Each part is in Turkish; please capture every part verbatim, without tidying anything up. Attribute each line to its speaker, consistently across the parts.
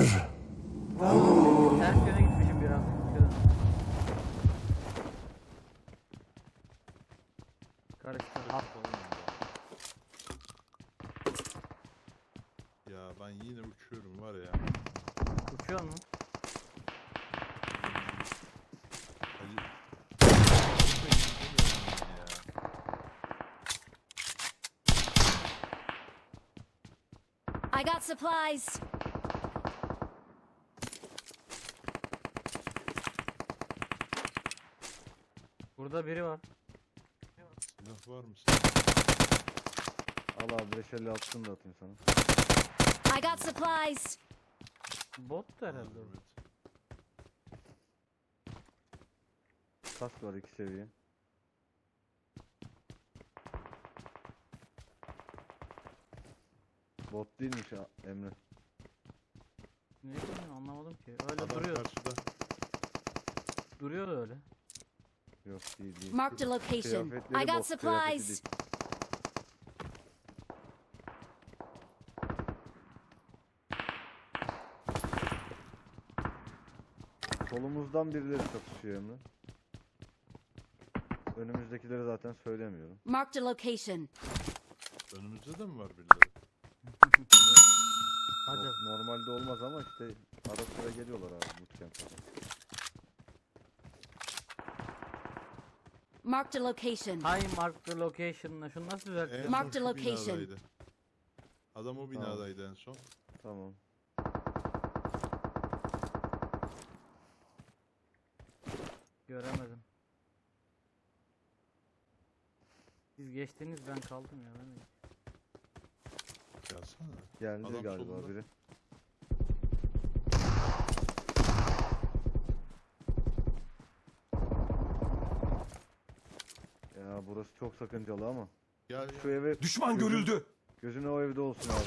Speaker 1: Ters yöne gitmişim biraz. Karıştı. Hap.
Speaker 2: Ya ben yine uçuyorum var ya.
Speaker 1: Uçuyor mu?
Speaker 2: Hadi.
Speaker 3: I got supplies.
Speaker 1: Burada biri var.
Speaker 2: Silah var mı?
Speaker 4: Al abi beş elli altısını da atayım sana.
Speaker 3: I got supplies.
Speaker 1: Bot da herhalde. o.
Speaker 2: Evet.
Speaker 4: Kask var iki seviye. Bot değilmiş ha, Emre.
Speaker 1: Ne bileyim anlamadım ki. Öyle
Speaker 2: Adam
Speaker 1: duruyor.
Speaker 2: karşıda.
Speaker 1: Duruyor öyle.
Speaker 4: Yok değil değil.
Speaker 3: Marked a location.
Speaker 4: Kıyafetleri
Speaker 3: I got
Speaker 4: bot, kıyafeti
Speaker 3: supplies.
Speaker 4: değil. Solumuzdan birileri çatışıyor Emre. Önümüzdekileri zaten söylemiyorum.
Speaker 3: Marked a location.
Speaker 2: Önümüzde de mi var birileri?
Speaker 1: Hadi.
Speaker 4: O normalde olmaz ama işte ara sıra geliyorlar abi bootcamp'e.
Speaker 3: Marked a location.
Speaker 1: High mark the location'la şunu nasıl
Speaker 2: En
Speaker 1: düzelteceğim?
Speaker 2: son
Speaker 3: Marked
Speaker 2: şu
Speaker 3: a location.
Speaker 2: binadaydı. Adam o binadaydı en son.
Speaker 4: Tamam.
Speaker 1: Göremedim. Siz geçtiniz ben kaldım ya. Ben de...
Speaker 2: Gelsene.
Speaker 4: Geldi
Speaker 2: Adam
Speaker 4: galiba
Speaker 2: solunda.
Speaker 4: biri. Ya burası çok sakıncalı ama.
Speaker 2: Gel
Speaker 4: Şu
Speaker 2: gel.
Speaker 4: eve
Speaker 5: Düşman
Speaker 4: gözün-
Speaker 5: görüldü.
Speaker 4: Gözün o evde olsun abi.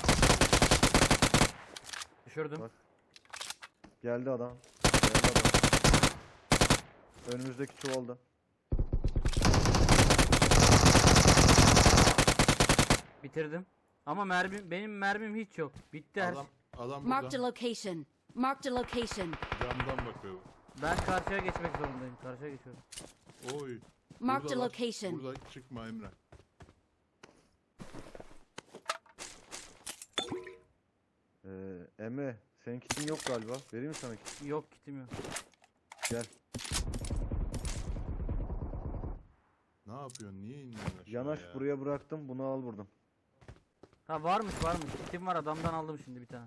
Speaker 1: Düşürdüm.
Speaker 4: Bak. Geldi adam. Geldi adam. Önümüzdeki çuvalda.
Speaker 1: Bitirdim. Ama mermim benim mermim hiç yok. Bitti her
Speaker 2: Adam,
Speaker 1: şey.
Speaker 2: adam
Speaker 3: Marked a
Speaker 2: burada.
Speaker 3: location. Marked a location.
Speaker 2: Camdan bakıyor.
Speaker 1: Ben karşıya geçmek zorundayım. Karşıya geçiyorum.
Speaker 2: Oy.
Speaker 3: Marked a
Speaker 2: Buradalar.
Speaker 3: location.
Speaker 2: Burada çıkma Emre.
Speaker 4: Ee, Emre senin kitin yok galiba. Vereyim mi sana kit?
Speaker 1: Yok kitim yok.
Speaker 4: Gel.
Speaker 2: Ne yapıyorsun? Niye iniyorsun aşağı
Speaker 4: Yanaş
Speaker 2: ya?
Speaker 4: buraya bıraktım. Bunu al buradan.
Speaker 1: Ha varmış varmış. Kitim var adamdan aldım şimdi bir tane.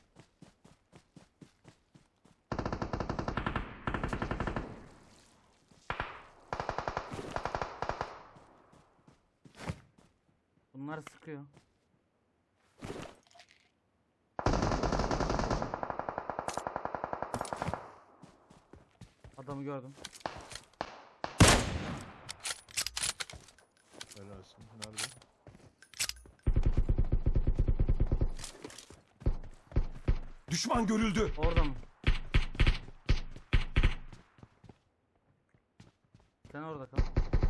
Speaker 1: Bunlar sıkıyor. Adamı gördüm.
Speaker 2: Helalsin. Nerede?
Speaker 5: Düşman görüldü.
Speaker 1: Orada mı? Sen orada kal.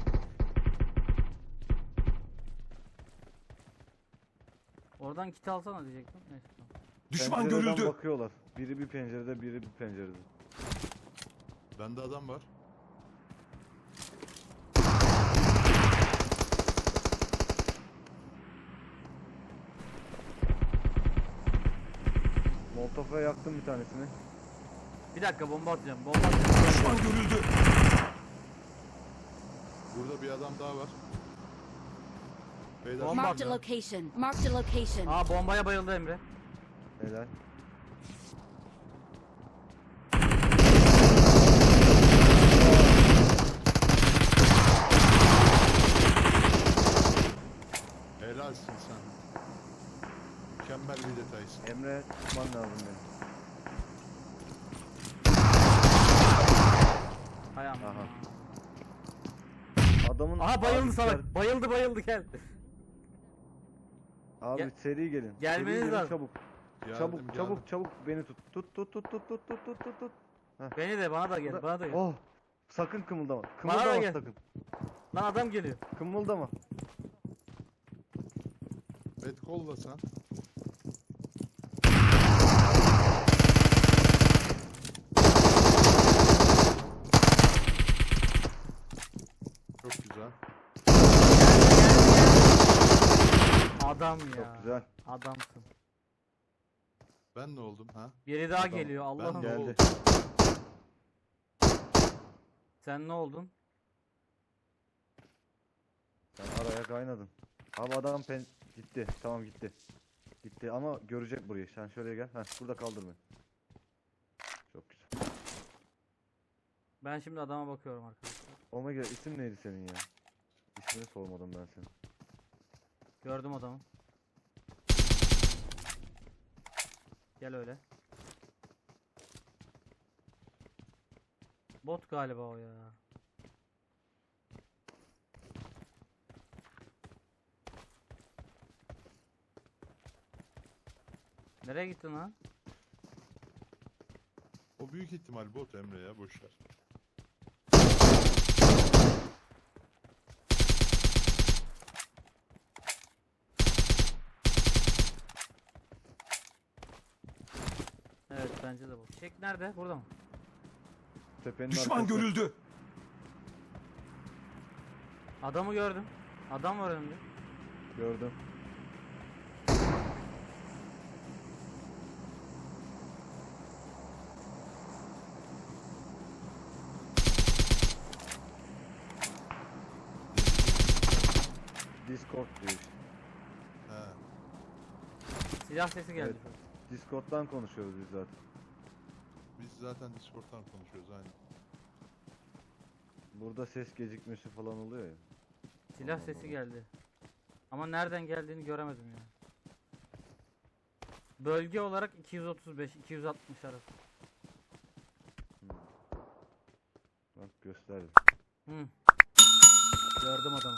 Speaker 1: Oradan kit alsana diyecektim. Neyse tamam.
Speaker 5: Düşman
Speaker 4: Pencereden
Speaker 5: görüldü.
Speaker 4: bakıyorlar. Biri bir pencerede, biri bir pencerede.
Speaker 2: Bende adam var.
Speaker 4: Molotof'a yaktım bir tanesini.
Speaker 1: Bir dakika bomba atacağım. Bomba atacağım.
Speaker 5: Düşman görüldü.
Speaker 2: Burada bir adam daha var. Beyler
Speaker 1: Bomba
Speaker 3: Marked a
Speaker 1: atıyor.
Speaker 3: location. Marked a location.
Speaker 1: Aa bombaya bayıldı Emre.
Speaker 4: Helal.
Speaker 2: helalsin sen. Mükemmel bir detaysın.
Speaker 4: Emre tutman lazım beni.
Speaker 1: Hay aman.
Speaker 4: Aha. Adamın
Speaker 1: Aha bayıldı
Speaker 4: abi,
Speaker 1: salak. Bayıldı bayıldı gel.
Speaker 4: Abi
Speaker 1: Gel-
Speaker 4: seri gelin.
Speaker 1: Gelmeniz
Speaker 4: Seri gelin,
Speaker 1: lazım.
Speaker 4: çabuk.
Speaker 2: Geldim,
Speaker 4: çabuk
Speaker 2: geldim.
Speaker 4: çabuk çabuk beni tut. Tut tut tut tut tut tut tut tut tut.
Speaker 1: Beni de bana da gel.
Speaker 4: Burada-
Speaker 1: Bana da gel.
Speaker 4: Oh. Sakın kımıldama.
Speaker 1: Bana da
Speaker 4: Kımıldama
Speaker 1: gel.
Speaker 4: sakın.
Speaker 1: Lan adam geliyor.
Speaker 4: Kımıldama.
Speaker 2: Et kolla sen.
Speaker 1: Adam ya.
Speaker 4: Çok güzel.
Speaker 1: Adamsın.
Speaker 2: Ben ne oldum ha?
Speaker 1: Biri daha
Speaker 4: Adam-
Speaker 1: geliyor Allah'ım.
Speaker 2: Ben de-
Speaker 4: Geldi.
Speaker 1: Sen ne oldun?
Speaker 4: Sen araya kaynadın. Abi adam pen gitti. Tamam gitti. Gitti ama görecek burayı. Sen şöyle gel. Heh, burada kaldır beni. Çok güzel.
Speaker 1: Ben şimdi adama bakıyorum arkadaşlar.
Speaker 4: Omega isim neydi senin ya? İsmini sormadım ben senin.
Speaker 1: Gördüm adamı. Gel öyle. Bot galiba o ya. Nereye gittin lan?
Speaker 2: O büyük ihtimal bot Emre ya, boşver.
Speaker 1: Evet bence de bot. Çek nerede? Burada mı?
Speaker 4: Tepenin
Speaker 5: Düşman
Speaker 4: arkası.
Speaker 5: görüldü.
Speaker 1: Adamı gördüm. Adam var önümde.
Speaker 4: Gördüm. Discord diyor işte.
Speaker 2: He.
Speaker 1: Silah sesi geldi.
Speaker 4: Evet. Discord'dan konuşuyoruz biz zaten.
Speaker 2: Biz zaten Discord'dan konuşuyoruz aynen.
Speaker 4: Burada ses gecikmesi falan oluyor ya.
Speaker 1: Silah
Speaker 4: Allah
Speaker 1: sesi
Speaker 4: Allah.
Speaker 1: geldi. Ama nereden geldiğini göremedim ya. Bölge olarak iki yüz otuz beş iki yüz altmış arası.
Speaker 4: Hmm. Bak gösterdim.
Speaker 1: Hı. Gördüm adamı.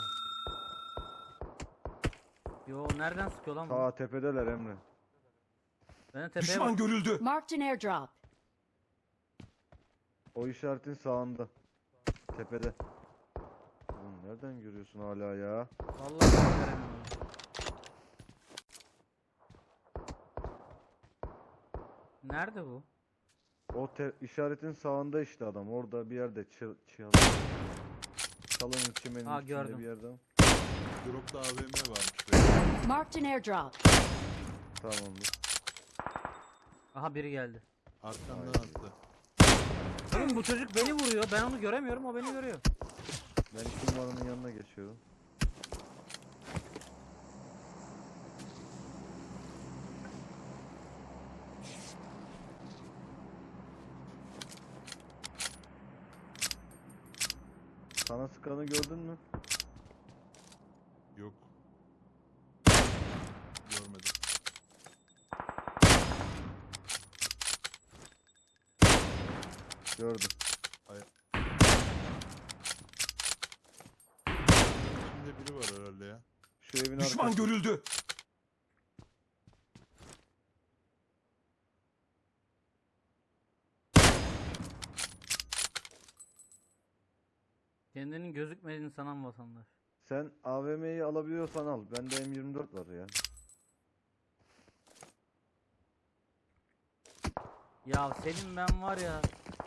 Speaker 1: Yo nereden sıkıyor lan bu?
Speaker 4: Ta tepedeler Emre.
Speaker 1: Ben tepeye
Speaker 5: Düşman
Speaker 1: bak.
Speaker 5: görüldü.
Speaker 3: Marked an airdrop.
Speaker 4: O işaretin sağında. Tepede. Oğlum nereden görüyorsun hala ya?
Speaker 1: Vallahi ben göremiyorum. Nerede bu?
Speaker 4: O te işaretin sağında işte adam. Orada bir yerde çı çı çalının çimenin
Speaker 1: Ha,
Speaker 4: içinde
Speaker 1: gördüm.
Speaker 4: bir yerde.
Speaker 2: Drop'ta A V M varmış be.
Speaker 3: Marked an airdrop.
Speaker 4: Tamamdır.
Speaker 1: Aha biri geldi.
Speaker 2: Arkamdan
Speaker 4: Haydi.
Speaker 2: attı.
Speaker 1: Oğlum bu çocuk beni vuruyor. Ben onu göremiyorum. O beni görüyor.
Speaker 4: Ben iki numaranın yanına geçiyorum. Sana sıkanı gördün mü?
Speaker 2: Yok. Görmedim.
Speaker 4: Gördüm.
Speaker 2: İçinde biri var herhalde ya.
Speaker 4: Şu evin
Speaker 5: Düşman
Speaker 4: arkasında.
Speaker 5: görüldü.
Speaker 1: Kendinin gözükmediğini sanan vatandaş.
Speaker 4: Sen A V M'yi alabiliyorsan al. Bende M yirmi dört var ya.
Speaker 1: Ya senin ben var ya.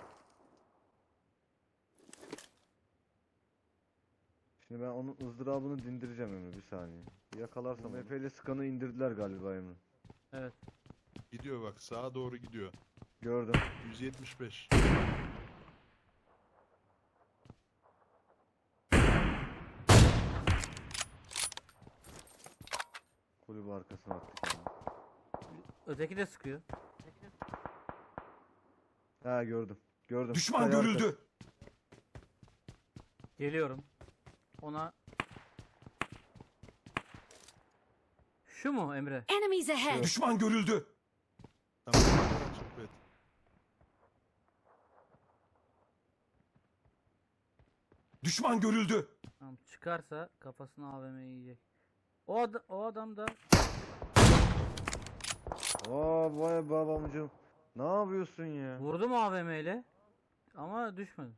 Speaker 4: Şimdi ben onun ızdırabını dindireceğim Emre bir saniye. Yakalarsam Efe ile sıkanı indirdiler galiba Emre.
Speaker 1: Evet.
Speaker 2: Gidiyor bak, sağa doğru gidiyor.
Speaker 4: Gördüm.
Speaker 2: yüz yetmiş beş.
Speaker 4: Kulübü arkasına attık yani.
Speaker 1: Öteki de sıkıyor.
Speaker 4: Ha gördüm. Gördüm.
Speaker 5: Düşman
Speaker 4: Kaya arkası.
Speaker 5: görüldü.
Speaker 1: Geliyorum. Ona. Şu mu Emre?
Speaker 3: Enemies ahead.
Speaker 5: Düşman görüldü.
Speaker 2: Tamam. Açık et.
Speaker 5: Düşman görüldü.
Speaker 1: Tamam, çıkarsa kafasına A V M yiyecek. O, ad o adam da
Speaker 4: Aa vay babamcığım. Ne yapıyorsun ya?
Speaker 1: vurdu mu A V M ile? Ama düşmedi.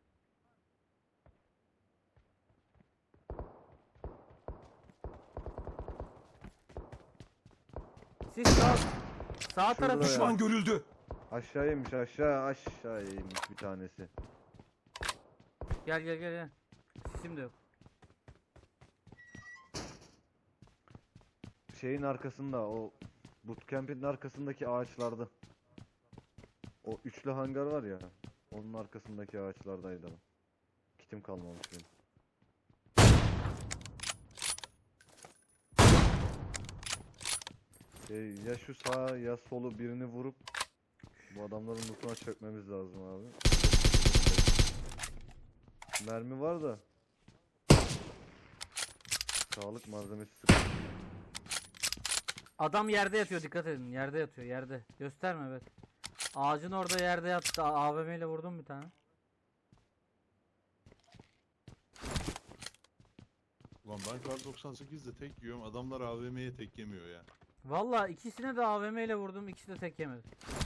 Speaker 1: Siz sağ, sağ tarafı
Speaker 4: Şurada ya.
Speaker 5: Düşman görüldü.
Speaker 4: Aşağı inmiş aşağı aşağı inmiş bir tanesi.
Speaker 1: gel gel gel gel. Sisim de yok.
Speaker 4: şeyin arkasında, o bootcamp'in arkasındaki ağaçlarda. O üçlü hangar var ya, onun arkasındaki ağaçlardaydı adam. Kitim kalmamış benim. Ee, ya şu sağ ya solu birini vurup bu adamların lootuna çökmemiz lazım abi. Mermi var da sağlık malzemesi sıkıntı.
Speaker 1: Adam yerde yatıyor, dikkat edin. Yerde yatıyor, yerde. Gösterme, evet. Ağacın orada yerde yattı. A V M ile vurdum bir tane.
Speaker 2: Ulan ben kar doksan sekizde tek yiyorum. Adamlar A V M'ye tek yemiyor ya.
Speaker 1: Vallahi ikisine de A V M ile vurdum. İkisi de tek yemedi.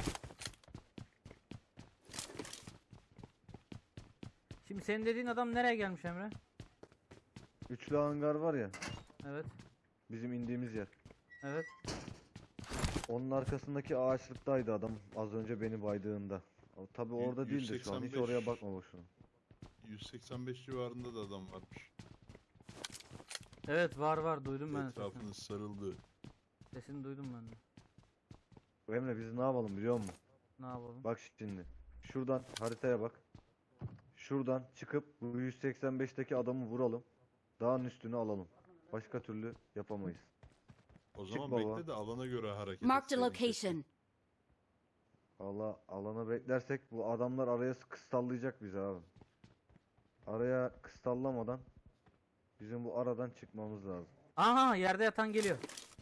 Speaker 1: Şimdi senin dediğin adam nereye gelmiş Emre?
Speaker 4: Üçlü hangar var ya,
Speaker 1: Evet.
Speaker 4: bizim indiğimiz yer.
Speaker 1: Evet.
Speaker 4: Onun arkasındaki ağaçlıktaydı adam az önce beni baydığında. Tabi orada
Speaker 2: yüz
Speaker 4: değildi şu an, hiç
Speaker 2: seksen beş.
Speaker 4: oraya bakma boşuna.
Speaker 2: yüz seksen beş civarında da adam varmış.
Speaker 1: Evet, var var, duydum ben sesini.
Speaker 2: Etrafınız sarıldı.
Speaker 1: Sesini duydum ben de.
Speaker 4: Emre biz ne yapalım biliyor musun?
Speaker 1: Ne yapalım?
Speaker 4: Bak şimdi. Şuradan haritaya bak. Şuradan çıkıp bu yüz seksen beşteki adamı vuralım. Dağın üstünü alalım. Başka türlü yapamayız.
Speaker 2: O
Speaker 4: Çık
Speaker 2: zaman
Speaker 4: baba.
Speaker 2: bekle de alana göre hareket
Speaker 3: Marked a
Speaker 2: etseydin keşke.
Speaker 3: location.
Speaker 4: Allah alana beklersek bu adamlar araya kıstallayacak bizi abi. Araya kıstallamadan bizim bu aradan çıkmamız lazım.
Speaker 1: Aha, yerde yatan geliyor.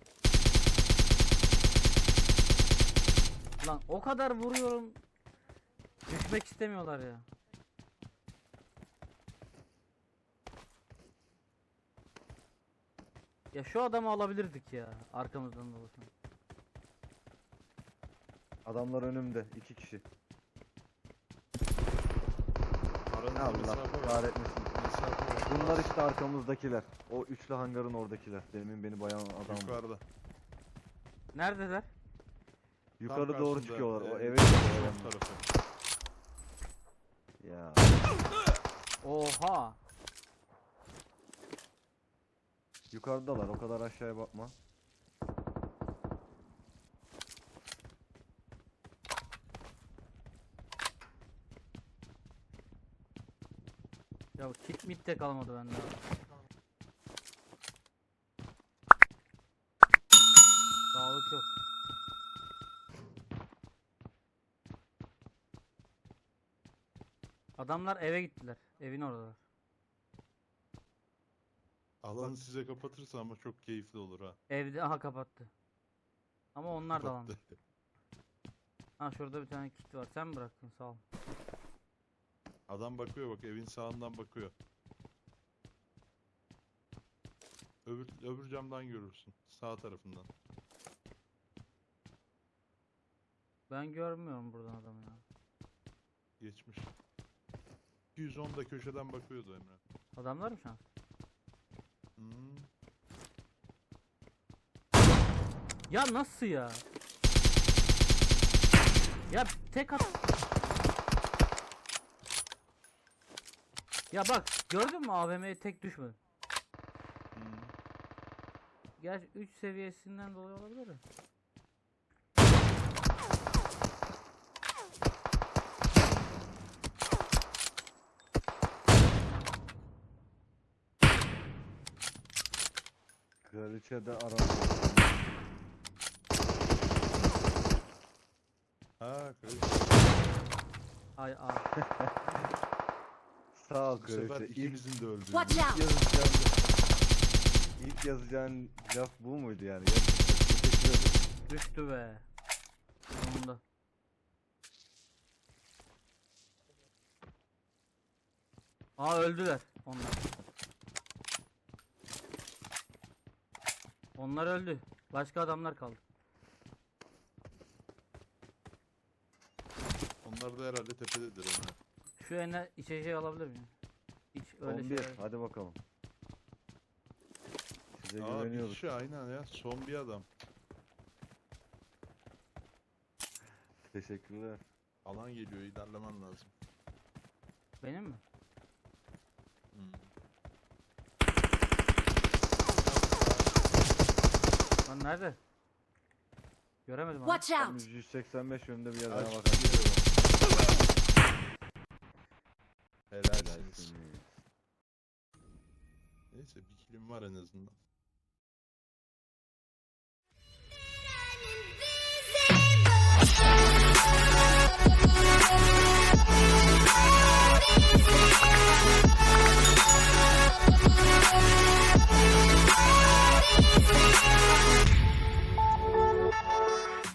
Speaker 1: Lan o kadar vuruyorum. Düşmek istemiyorlar ya. Ya şu adamı alabilirdik ya, arkamızdan dolasın.
Speaker 4: Adamlar önümde iki kişi.
Speaker 2: Aranızda
Speaker 4: Allah
Speaker 2: mesafe var.
Speaker 4: kahretmesin.
Speaker 2: Mesafe var.
Speaker 4: Bunlar işte arkamızdakiler. O üçlü hangarın oradakiler. Demin beni bayan adam.
Speaker 2: Yukarıda.
Speaker 1: Neredeler?
Speaker 4: Yukarı
Speaker 2: Tam
Speaker 4: doğru
Speaker 2: karşında,
Speaker 4: çıkıyorlar. O
Speaker 2: e,
Speaker 4: eve
Speaker 2: sol
Speaker 4: gidiyorlar.
Speaker 2: tarafı.
Speaker 4: Ya.
Speaker 1: Oha.
Speaker 4: Yukarıdalar. O kadar aşağıya bakma.
Speaker 1: Ya kit mit de kalmadı bende abi. Sağlık yok. Adamlar eve gittiler. Evin oradalar.
Speaker 2: Alanı size kapatırsa ama çok keyifli olur ha.
Speaker 1: Evde aha kapattı. Ama onlar da lan.
Speaker 2: Kapattı.
Speaker 1: Ha şurada bir tane kit var. Sen mi bıraktın? Sağ ol.
Speaker 2: Adam bakıyor bak, evin sağından bakıyor. Öbür, öbür camdan görürsün. Sağ tarafından.
Speaker 1: Ben görmüyorum buradan adamı ya.
Speaker 2: Geçmiş. iki yüz onda köşeden bakıyordu Emre.
Speaker 1: Adamlar mı şans?
Speaker 2: Hmm.
Speaker 1: Ya nasıl ya? Ya tek at. Ya bak gördün mü A V M'ye tek düşmedi.
Speaker 2: Hmm.
Speaker 1: Gerçi üç seviyesinden dolayı olabilir mi?
Speaker 4: Kraliçe de aramıyor.
Speaker 2: Ha, kraliçe.
Speaker 1: Ay ay.
Speaker 4: Sağ ol
Speaker 2: Bu sefer
Speaker 4: kraliçe. İlk,
Speaker 2: ikimizin de öldüğü.
Speaker 3: Watch
Speaker 4: ilk
Speaker 3: out!
Speaker 4: yazacağın, ilk yazacağın laf bu muydu yani? Gerçekten teşekkür ederim.
Speaker 1: Düştü be. Sonunda. Aa öldüler onlar. Onlar öldü. Başka adamlar kaldı.
Speaker 2: Onlar da herhalde tepededir Emre.
Speaker 1: Şu eline içeceği alabilir miyim? Hiç öyle
Speaker 4: on bir.
Speaker 1: şeyler.
Speaker 4: Hadi bakalım. Size
Speaker 2: Aa, bir
Speaker 4: güveniyoruz.
Speaker 2: kişi aynen ya. Son bir adam.
Speaker 4: Teşekkürler.
Speaker 2: Alan geliyor, ilerlemen lazım.
Speaker 1: Benim mi?
Speaker 2: Hmm.
Speaker 1: Lan nerede? Göremedim abi.
Speaker 3: Watch
Speaker 4: Tam
Speaker 3: out!
Speaker 4: yüz seksen beş yönünde bir yerden
Speaker 2: Aç.
Speaker 4: bakalım.
Speaker 2: Helalsiniz.
Speaker 4: Helalsiniz.
Speaker 2: Neyse bir kilim var en azından.